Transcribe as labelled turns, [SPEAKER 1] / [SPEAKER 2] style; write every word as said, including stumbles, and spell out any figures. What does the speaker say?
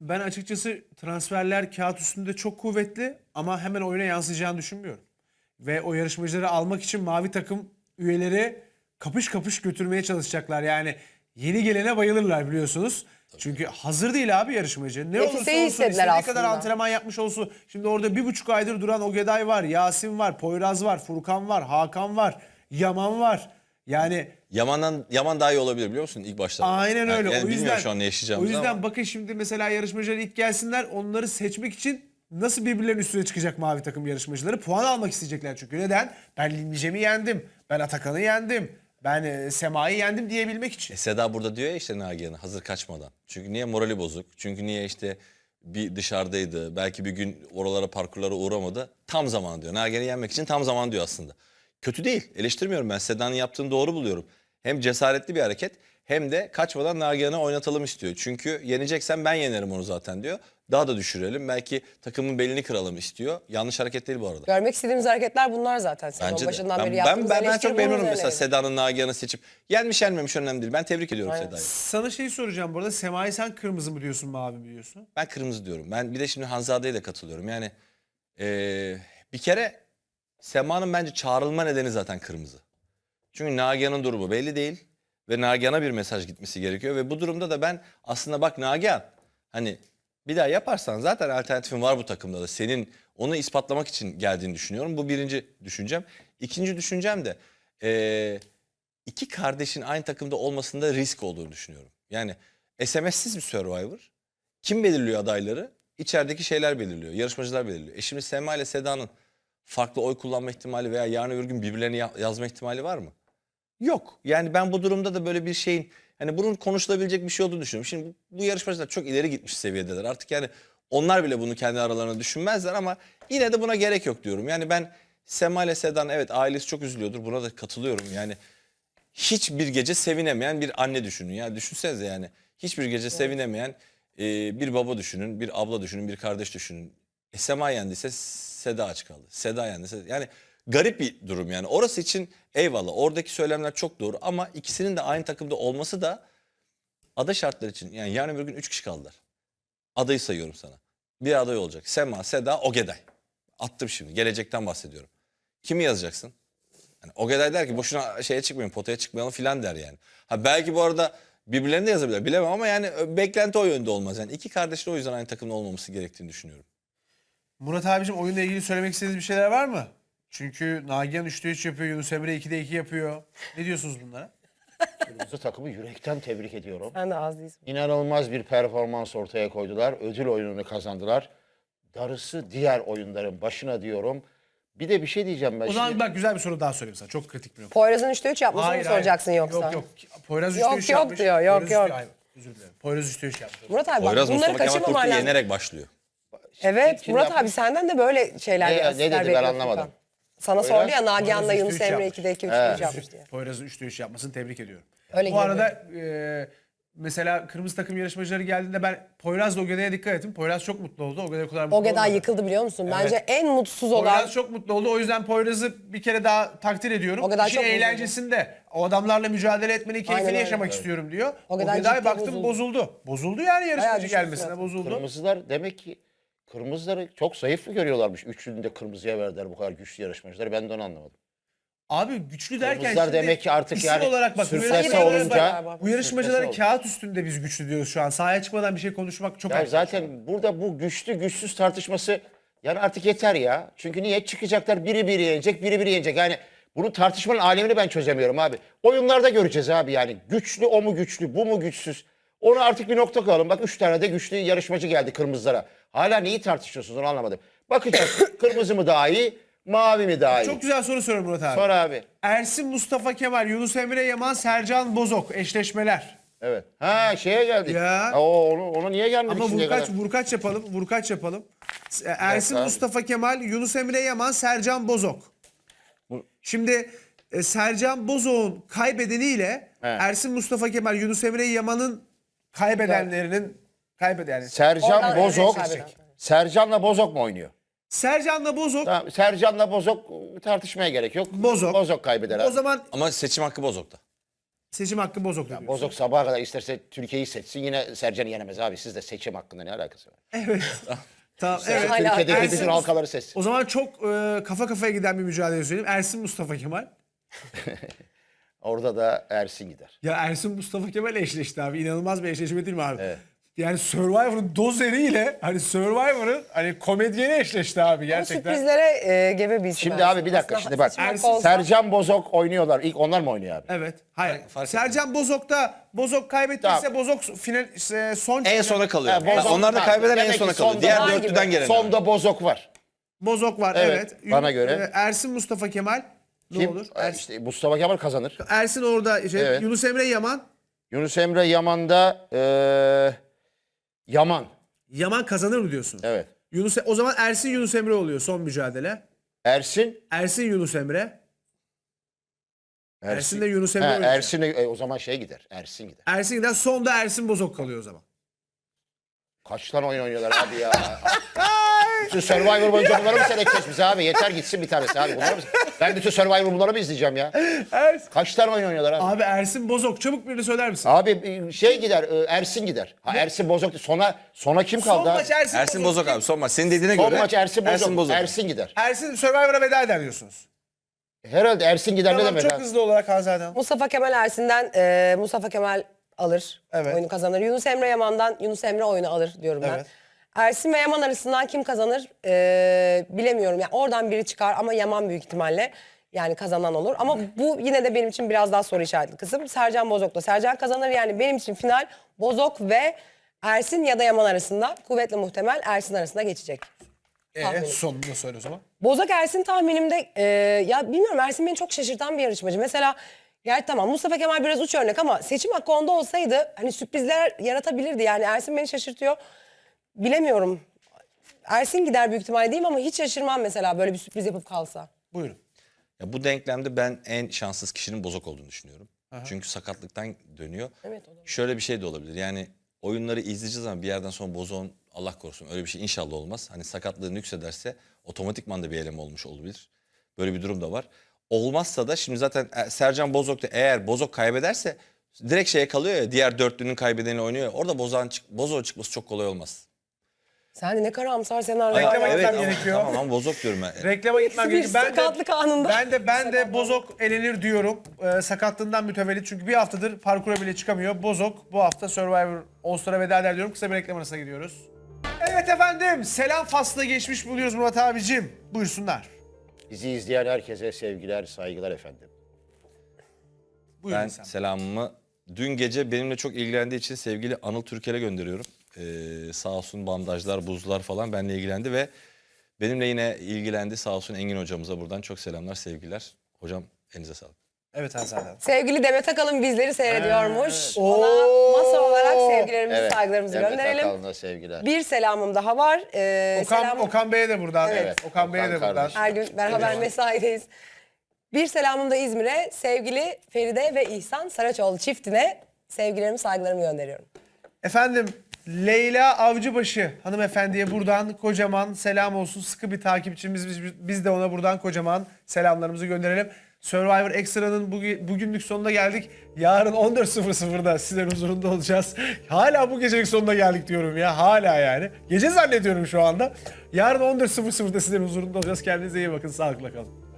[SPEAKER 1] Ben açıkçası transferler kağıt üstünde çok kuvvetli ama hemen oyuna yansıyacağını düşünmüyorum. Ve o yarışmacıları almak için mavi takım üyeleri kapış kapış götürmeye çalışacaklar. Yani yeni gelene bayılırlar biliyorsunuz. Çünkü hazır değil abi yarışmacı. Ne
[SPEAKER 2] Nefise'yi
[SPEAKER 1] olursa olsun
[SPEAKER 2] istediler
[SPEAKER 1] istediği kadar
[SPEAKER 2] aslında.
[SPEAKER 1] antrenman yapmış olsun. Şimdi orada bir buçuk aydır duran Ogeday var, Yasin var, Poyraz var, Furkan var, Hakan var, Yaman var. Yani
[SPEAKER 3] Yaman'dan Yaman daha iyi olabilir biliyor musun ilk başta?
[SPEAKER 1] aynen öyle.
[SPEAKER 3] Yani
[SPEAKER 1] o yüzden
[SPEAKER 3] bilmiyorum şu an ne
[SPEAKER 1] o
[SPEAKER 3] yaşayacağımızı
[SPEAKER 1] yüzden
[SPEAKER 3] ama.
[SPEAKER 1] bakın şimdi mesela yarışmacılar ilk gelsinler, onları seçmek için nasıl birbirlerinin üstüne çıkacak mavi takım yarışmacıları? Puan almak isteyecekler çünkü. Neden? Ben Lilmicem'i yendim. Ben Atakan'ı yendim. Ben e, Sema'yı yendim diyebilmek için.
[SPEAKER 3] E, Seda burada diyor ya işte Nagihan'a hazır kaçmadan. Çünkü niye morali bozuk? Çünkü niye işte bir dışarıdaydı. Belki bir gün oralara parkurlara uğramadı. Tam zaman diyor. Nagihan'ı yenmek için tam zaman diyor aslında. Kötü değil. Eleştirmiyorum ben. Seda'nın yaptığını doğru buluyorum. Hem cesaretli bir hareket hem de kaçmadan Nagihan'ı oynatalım istiyor. Çünkü yeneceksen ben yenerim onu zaten diyor. Daha da düşürelim. Belki takımın belini kıralım istiyor. Yanlış hareket değil bu arada.
[SPEAKER 2] Görmek istediğimiz hareketler bunlar zaten. Sezon
[SPEAKER 3] Bence de.
[SPEAKER 2] başından
[SPEAKER 3] Ben,
[SPEAKER 2] beri
[SPEAKER 3] ben,
[SPEAKER 2] yaptığımız
[SPEAKER 3] ben, ben
[SPEAKER 2] eleştiri
[SPEAKER 3] çok
[SPEAKER 2] bunun
[SPEAKER 3] memnunum mesela
[SPEAKER 2] üzerineydi.
[SPEAKER 3] Seda'nın Nagihan'ı seçip. Yenmiş yenmemiş önemli değil. Ben tebrik ediyorum
[SPEAKER 2] Aynen.
[SPEAKER 3] Seda'yı.
[SPEAKER 1] Sana şey soracağım bu arada. Sema'yı sen kırmızı mı diyorsun, mavi mi diyorsun?
[SPEAKER 3] Ben kırmızı diyorum. Ben bir de şimdi Hanzade'ye de katılıyorum. Yani eee, bir kere Sema'nın bence çağrılma nedeni zaten kırmızı. Çünkü Nagihan'ın durumu belli değil. Ve Nagihan'a bir mesaj gitmesi gerekiyor. Ve bu durumda da ben aslında bak Nagihan hani bir daha yaparsan zaten alternatifin var bu takımda da. Senin onu ispatlamak için geldiğini düşünüyorum. Bu birinci düşüncem. İkinci düşüncem de eee, iki kardeşin aynı takımda olmasında risk olduğunu düşünüyorum. Yani S M S'siz bir Survivor. Kim belirliyor adayları? İçerideki şeyler belirliyor. Yarışmacılar belirliyor. E şimdi Sema ile Seda'nın farklı oy kullanma ihtimali veya yarın öbür gün birbirlerini ya- yazma ihtimali var mı? Yok. Yani ben bu durumda da böyle bir şeyin hani bunun konuşulabilecek bir şey olduğunu düşünüyorum. Şimdi bu, bu yarışmacılar çok ileri gitmiş seviyedeler. Artık yani onlar bile bunu kendi aralarında düşünmezler ama yine de buna gerek yok diyorum. Yani ben Sema ile Seda'nın evet ailesi çok üzülüyordur. Buna da katılıyorum. Yani hiçbir gece sevinemeyen bir anne düşünün. Yani düşünsenize yani hiçbir gece sevinemeyen e, bir baba düşünün, bir abla düşünün, bir kardeş düşünün. E, Sema yendiyse Seda aç kaldı. Seda yendiyse yani garip bir durum yani. Orası için eyvallah oradaki söylemler çok doğru ama ikisinin de aynı takımda olması da ada şartları için yani yarın bir gün üç kişi kaldılar. Adayı sayıyorum sana. Bir aday olacak. Sema, Seda, Ogeday. Attım şimdi. Gelecekten bahsediyorum. Kimi yazacaksın? Yani Ogeday der ki boşuna şeye çıkmayalım, potaya çıkmayalım filan der yani. Ha belki bu arada birbirlerini de yazabilir bilemem ama yani beklenti o yönde olmaz. Yani iki kardeşin o yüzden aynı takımda olmaması gerektiğini düşünüyorum.
[SPEAKER 1] Murat abicim, oyunla ilgili söylemek istediğiniz bir şeyler var mı? Çünkü Nagihan üçte üç yapıyor, Yunus Emre ikide iki yapıyor. Ne diyorsunuz bunlara?
[SPEAKER 4] Kırmızı takımı yürekten tebrik ediyorum.
[SPEAKER 2] Sen de az değilsin.
[SPEAKER 4] İnanılmaz bir performans ortaya koydular. Ödül oyununu kazandılar. Darısı diğer oyunların başına diyorum. Bir de bir şey diyeceğim ben
[SPEAKER 1] O zaman
[SPEAKER 4] şimdi.
[SPEAKER 1] bak, güzel bir soru daha sorayım sana. Çok kritik bir nokta.
[SPEAKER 2] Poyraz'ın üçte üç yapmasını mı soracaksın yoksa?
[SPEAKER 1] Yok yok. Poyraz
[SPEAKER 2] Yok,
[SPEAKER 1] üçte üç
[SPEAKER 2] yok
[SPEAKER 1] yapmış.
[SPEAKER 2] diyor, yok,
[SPEAKER 1] Poyraz
[SPEAKER 2] yok.
[SPEAKER 1] üçte- Hayır, özür dilerim. Poyraz üçte üç yapmış.
[SPEAKER 2] Murat abi bak
[SPEAKER 3] Poyraz
[SPEAKER 2] bunları
[SPEAKER 3] Mustafa Kemal
[SPEAKER 2] kaçırmaman
[SPEAKER 3] Kurt'u
[SPEAKER 2] lazım.
[SPEAKER 3] yenerek başlıyor.
[SPEAKER 2] Evet
[SPEAKER 4] Kim
[SPEAKER 2] Murat
[SPEAKER 4] yapmış?
[SPEAKER 2] abi senden de böyle şeyler
[SPEAKER 4] Ne-
[SPEAKER 2] bir
[SPEAKER 4] ne
[SPEAKER 2] asistler
[SPEAKER 4] dedi, ben
[SPEAKER 2] bekliyorum
[SPEAKER 4] anlamadım.
[SPEAKER 2] Furkan. Sana
[SPEAKER 4] Poyraz-
[SPEAKER 2] sordu ya Nagihan'la
[SPEAKER 1] Poyraz
[SPEAKER 2] Yunus
[SPEAKER 1] üçte üç
[SPEAKER 2] Emre
[SPEAKER 1] yapmış.
[SPEAKER 2] ikide iki üçte
[SPEAKER 4] Evet.
[SPEAKER 2] üç yapmış diye.
[SPEAKER 1] Poyraz'ın üçte üç yapmasını tebrik ediyorum.
[SPEAKER 2] Öyle
[SPEAKER 1] Bu
[SPEAKER 2] gibi.
[SPEAKER 1] arada e, mesela kırmızı takım yarışmacıları geldiğinde ben Poyraz'la Ogeday'a dikkat ettim. Poyraz çok mutlu oldu. Ogeday o kadar mutlu
[SPEAKER 2] Ogeday
[SPEAKER 1] olmadı.
[SPEAKER 2] yıkıldı biliyor musun? Bence
[SPEAKER 1] Evet.
[SPEAKER 2] en mutsuz olan
[SPEAKER 1] Poyraz çok mutlu oldu. O yüzden Poyraz'ı bir kere daha takdir ediyorum.
[SPEAKER 2] Ogeday
[SPEAKER 1] İşin
[SPEAKER 2] çok bozuldu.
[SPEAKER 1] eğlencesinde o adamlarla mücadele etmenin keyfini
[SPEAKER 2] Aynen öyle.
[SPEAKER 1] yaşamak
[SPEAKER 2] Evet.
[SPEAKER 1] istiyorum diyor.
[SPEAKER 2] Ogeday
[SPEAKER 1] Ogeday,
[SPEAKER 2] ciddi
[SPEAKER 1] baktım
[SPEAKER 2] bozuldu.
[SPEAKER 1] bozuldu. Bozuldu yani yarışmacı
[SPEAKER 2] düştü
[SPEAKER 1] gelmesine
[SPEAKER 2] zaten.
[SPEAKER 1] bozuldu.
[SPEAKER 4] Kırmızılar demek ki kırmızıları çok zayıf mı görüyorlarmış? Üçünü de kırmızıya verdiler bu kadar güçlü yarışmacıları. Ben de onu anlamadım.
[SPEAKER 1] Abi güçlü derken
[SPEAKER 4] Kırmızılar
[SPEAKER 1] şimdi
[SPEAKER 4] demek ki artık
[SPEAKER 1] isim
[SPEAKER 4] yani
[SPEAKER 1] olarak bak, bu
[SPEAKER 4] sürklese
[SPEAKER 1] yarışmacılara-
[SPEAKER 4] olunca-
[SPEAKER 1] bu yarışmacıların
[SPEAKER 4] Sürklese oldu.
[SPEAKER 1] kağıt üstünde biz güçlü diyoruz şu an. Sahaya çıkmadan bir şey konuşmak çok
[SPEAKER 4] Ya
[SPEAKER 1] erken.
[SPEAKER 4] zaten burada bu güçlü güçsüz tartışması yani artık yeter ya. Çünkü niye çıkacaklar biri biri yenecek, biri biri yenecek. Yani bunun tartışmanın alemini ben çözemiyorum abi. Oyunlarda göreceğiz abi yani. Güçlü o mu güçlü, bu mu güçsüz? Onu artık bir nokta koyalım. Bak üç tane de güçlü yarışmacı geldi kırmızılara. Hala neyi tartışıyorsunuz onu anlamadım. Bakacağız kırmızı mı daha iyi, mavi mi daha iyi?
[SPEAKER 1] Çok güzel soru soruyor Murat abi.
[SPEAKER 4] Sor abi.
[SPEAKER 1] Ersin Mustafa Kemal, Yunus Emre Yaman, Sercan Bozok eşleşmeler.
[SPEAKER 4] Evet. Ha şeye geldik.
[SPEAKER 1] Ya.
[SPEAKER 4] Ha, o, onu, ona niye gelmedik
[SPEAKER 1] Ama
[SPEAKER 4] şimdiye
[SPEAKER 1] vurkaç
[SPEAKER 4] kadar?
[SPEAKER 1] vurkaç yapalım, vurkaç yapalım. Ersin
[SPEAKER 4] abi.
[SPEAKER 1] Mustafa Kemal, Yunus Emre Yaman, Sercan Bozok.
[SPEAKER 4] Bu-
[SPEAKER 1] Şimdi e, Sercan Bozok'un kaybedeniyle
[SPEAKER 4] Evet.
[SPEAKER 1] Ersin Mustafa Kemal, Yunus Emre Yaman'ın kaybedenlerinin kaybeden yani.
[SPEAKER 4] Sercan
[SPEAKER 2] Oradan evet,
[SPEAKER 4] Bozok.
[SPEAKER 2] kaybeden.
[SPEAKER 4] Sercan'la Bozok mu oynuyor?
[SPEAKER 1] Sercan'la Bozok
[SPEAKER 4] Tamam, Sercan'la Bozok tartışmaya gerek yok.
[SPEAKER 1] Bozok.
[SPEAKER 4] Bozok kaybeder abi.
[SPEAKER 1] o zaman
[SPEAKER 3] Ama seçim hakkı Bozok'ta.
[SPEAKER 1] Seçim hakkı Bozok'ta diyorsun.
[SPEAKER 4] Bozok sabaha kadar isterse Türkiye'yi seçsin yine Sercan'ı yenemez abi. Sizde seçim hakkında ne alakası var?
[SPEAKER 1] Evet. Tamam,
[SPEAKER 4] Evet.
[SPEAKER 1] evet.
[SPEAKER 2] Hala
[SPEAKER 4] Türkiye'deki
[SPEAKER 1] Ersin-
[SPEAKER 4] bütün halkaları seçsin.
[SPEAKER 1] O zaman çok e, kafa kafaya giden bir mücadele söyleyeyim. Ersin Mustafa Kemal.
[SPEAKER 4] Orada da Ersin gider.
[SPEAKER 1] Ya Ersin Mustafa Kemal eşleşti abi. İnanılmaz bir eşleşme değil mi abi? Yani Survivor'ın dozeriyle hani Survivor'ın hani komedyeni eşleşti abi
[SPEAKER 2] Bu
[SPEAKER 1] gerçekten.
[SPEAKER 2] sürprizlere e, gebe bir isim.
[SPEAKER 4] Şimdi abi bir dakika
[SPEAKER 2] Aslında
[SPEAKER 4] şimdi bak.
[SPEAKER 2] seçim hakkı
[SPEAKER 1] Ersin-
[SPEAKER 2] olsa-
[SPEAKER 4] Sercan Bozok oynuyorlar. İlk onlar mı oynuyor abi?
[SPEAKER 1] Evet. Hayır.
[SPEAKER 3] fark
[SPEAKER 1] Sercan Bozok'ta Bozok kaybettiyse
[SPEAKER 4] Tamam.
[SPEAKER 1] Bozok final e, son
[SPEAKER 3] En sona kalıyor.
[SPEAKER 4] Ha, Bozok-
[SPEAKER 3] Onlar da
[SPEAKER 4] ha,
[SPEAKER 3] kaybeden en
[SPEAKER 4] demek
[SPEAKER 3] sona
[SPEAKER 4] ki
[SPEAKER 3] kalıyor.
[SPEAKER 4] sonda
[SPEAKER 3] Diğer
[SPEAKER 2] var
[SPEAKER 3] dörtlüden
[SPEAKER 2] gibi.
[SPEAKER 3] gelen.
[SPEAKER 4] Sonda Bozok var.
[SPEAKER 1] Bozok var
[SPEAKER 4] Evet,
[SPEAKER 1] evet.
[SPEAKER 4] bana
[SPEAKER 1] Yun-
[SPEAKER 4] göre.
[SPEAKER 1] e, Ersin Mustafa Kemal ne
[SPEAKER 4] Kim?
[SPEAKER 1] olur?
[SPEAKER 4] Ee,
[SPEAKER 1] Ersin,
[SPEAKER 4] İşte Mustafa Kemal kazanır.
[SPEAKER 1] Ersin orada şey,
[SPEAKER 4] Evet.
[SPEAKER 1] Yunus Emre Yaman.
[SPEAKER 4] Yunus Emre Yaman'da eee, Yaman.
[SPEAKER 1] Yaman kazanır mı diyorsun?
[SPEAKER 4] Evet.
[SPEAKER 1] Yunus o zaman Ersin Yunus Emre oluyor son mücadele.
[SPEAKER 4] Ersin.
[SPEAKER 1] Ersin Yunus Emre. Ersin de Yunus Emre
[SPEAKER 4] Ha,
[SPEAKER 1] oynayacak.
[SPEAKER 4] Ersin de- e, o zaman şey gider. Ersin gider.
[SPEAKER 1] Ersin gider. Sonda Ersin Bozok kalıyor o zaman.
[SPEAKER 4] Kaç tane oyun oynuyorlar abi ya. Bütün Survivor boyunca bunları mı seyredeceğiz biz abi? Yeter gitsin bir tanesi abi. Bunları mı? Ben bütün Survivor bunları mı izleyeceğim ya?
[SPEAKER 1] Ersin.
[SPEAKER 4] Kaç tane oyun oynuyorlar abi?
[SPEAKER 1] Abi Ersin Bozok çabuk birini söyler misin?
[SPEAKER 4] Abi e, şey gider, e, Ersin gider. Ha, Ersin Bozok. Sona sona kim kaldı
[SPEAKER 1] Son
[SPEAKER 4] abi?
[SPEAKER 1] maç Ersin,
[SPEAKER 3] Ersin Bozok abi son maç. Senin dediğine
[SPEAKER 4] Son
[SPEAKER 3] göre.
[SPEAKER 4] maç Ersin Bozok.
[SPEAKER 3] Ersin Bozok.
[SPEAKER 4] Ersin gider.
[SPEAKER 1] Ersin Survivor'a veda eder diyorsunuz.
[SPEAKER 4] Herhalde Ersin gider ne
[SPEAKER 1] Tamam,
[SPEAKER 4] demek
[SPEAKER 1] çok
[SPEAKER 4] abi?
[SPEAKER 1] hızlı olarak Hanzade
[SPEAKER 2] Mustafa Kemal Ersin'den e, Mustafa Kemal alır.
[SPEAKER 1] Evet.
[SPEAKER 2] Oyunu kazanır. Yunus Emre Yaman'dan Yunus Emre oyunu alır diyorum ben.
[SPEAKER 1] Evet.
[SPEAKER 2] Ersin ve Yaman arasından kim kazanır e, bilemiyorum. Yani oradan biri çıkar ama Yaman büyük ihtimalle yani kazanan olur. Ama bu yine de benim için biraz daha soru işaretli kısım. Sercan Bozok'ta. Sercan kazanır yani benim için final Bozok ve Ersin ya da Yaman arasında. Kuvvetle muhtemel Ersin arasında geçecek.
[SPEAKER 1] Ee,
[SPEAKER 2] Tahminim.
[SPEAKER 1] sonunu söyle o zaman.
[SPEAKER 2] Bozok Ersin tahminimde e, ya bilmiyorum Ersin beni çok şaşırtan bir yarışmacı. Mesela gerçi tamam Mustafa Kemal biraz uç örnek ama seçim hakkı onda olsaydı hani sürprizler yaratabilirdi. Yani Ersin beni şaşırtıyor. Bilemiyorum. Ersin gider büyük ihtimalle diyeyim ama hiç şaşırmam mesela böyle bir sürpriz yapıp kalsa.
[SPEAKER 1] Buyurun.
[SPEAKER 3] Ya bu denklemde ben en şanssız kişinin Bozok olduğunu düşünüyorum. Çünkü sakatlıktan dönüyor.
[SPEAKER 2] Evet, olabilir.
[SPEAKER 3] Şöyle bir şey de olabilir. Yani oyunları izleyeceğiz ama bir yerden sonra Bozok'un Allah korusun öyle bir şey inşallah olmaz. Hani sakatlığı nüksederse otomatikman da bir eleme olmuş olabilir. Böyle bir durum da var. Olmazsa da şimdi zaten Sercan Bozok da eğer Bozok kaybederse direkt şeye kalıyor ya diğer dörtlünün kaybedeni oynuyor ya. Orada Bozok'un çık Bozok'un çıkması çok kolay olmaz.
[SPEAKER 2] Sen de ne karamsar senaryo.
[SPEAKER 1] Reklama
[SPEAKER 2] var.
[SPEAKER 1] gitmem
[SPEAKER 3] ama-
[SPEAKER 1] gerekiyor.
[SPEAKER 3] Tamam ama Bozok diyorum ben.
[SPEAKER 1] Reklama gitmem
[SPEAKER 2] Bir
[SPEAKER 1] gerekiyor. Ben
[SPEAKER 2] sakatlık
[SPEAKER 1] de,
[SPEAKER 2] anında.
[SPEAKER 1] ben de ben de Bozok elenir diyorum. Ee, sakatlığından mütevellit çünkü bir haftadır parkura bile çıkamıyor. Bozok bu hafta Survivor All Star'a veda eder diyorum. Kısa bir reklam arasına gidiyoruz. Evet efendim. Selam faslına geçmiş buluyoruz Murat abicim. Buyursunlar.
[SPEAKER 4] Bizi izleyen herkese sevgiler, saygılar efendim.
[SPEAKER 1] Buyurun
[SPEAKER 3] Ben
[SPEAKER 1] sen.
[SPEAKER 3] selamımı dün gece benimle çok ilgilendiği için sevgili Anıl Türker'e gönderiyorum. Ee, sağ olsun bandajlar, buzlar falan benimle ilgilendi ve benimle yine ilgilendi. Sağ olsun Engin hocamıza buradan çok selamlar, sevgiler. Hocam elinize sağlık.
[SPEAKER 1] Evet Hanzade Hanım.
[SPEAKER 2] Sevgili Demet Akalın bizleri seyrediyormuş.
[SPEAKER 1] Ee,
[SPEAKER 2] Ona
[SPEAKER 1] Oo.
[SPEAKER 2] masa olarak sevgilerimizi,
[SPEAKER 4] Evet.
[SPEAKER 2] saygılarımızı
[SPEAKER 4] Demet
[SPEAKER 2] gönderelim.
[SPEAKER 4] Akalın'a sevgiler.
[SPEAKER 2] Bir selamım daha var. Ee,
[SPEAKER 1] Okan,
[SPEAKER 2] selam-
[SPEAKER 1] Okan Bey'e de buradan.
[SPEAKER 4] Evet.
[SPEAKER 1] Okan Bey'e de
[SPEAKER 4] Okan
[SPEAKER 1] buradan.
[SPEAKER 4] kardeşim.
[SPEAKER 2] Her gün beraber mesaideyiz. Bir selamım da İzmir'e sevgili Feride ve İhsan Saraçoğlu çiftine sevgilerimi, saygılarımı gönderiyorum.
[SPEAKER 1] Efendim Leyla Avcıbaşı hanımefendiye buradan kocaman selam olsun. Sıkı bir takipçimiz. Biz, biz de ona buradan kocaman selamlarımızı gönderelim. Survivor Extra'nın bugün, bugünlük sonuna geldik. Yarın on dört sıfır sıfırda sizlerin huzurunda olacağız. Hala bu gecelik sonuna geldik diyorum ya. Hala yani. Gece zannediyorum şu anda. Yarın on dört sıfır sıfırda sizlerin huzurunda olacağız. Kendinize iyi bakın. Sağlıkla kalın.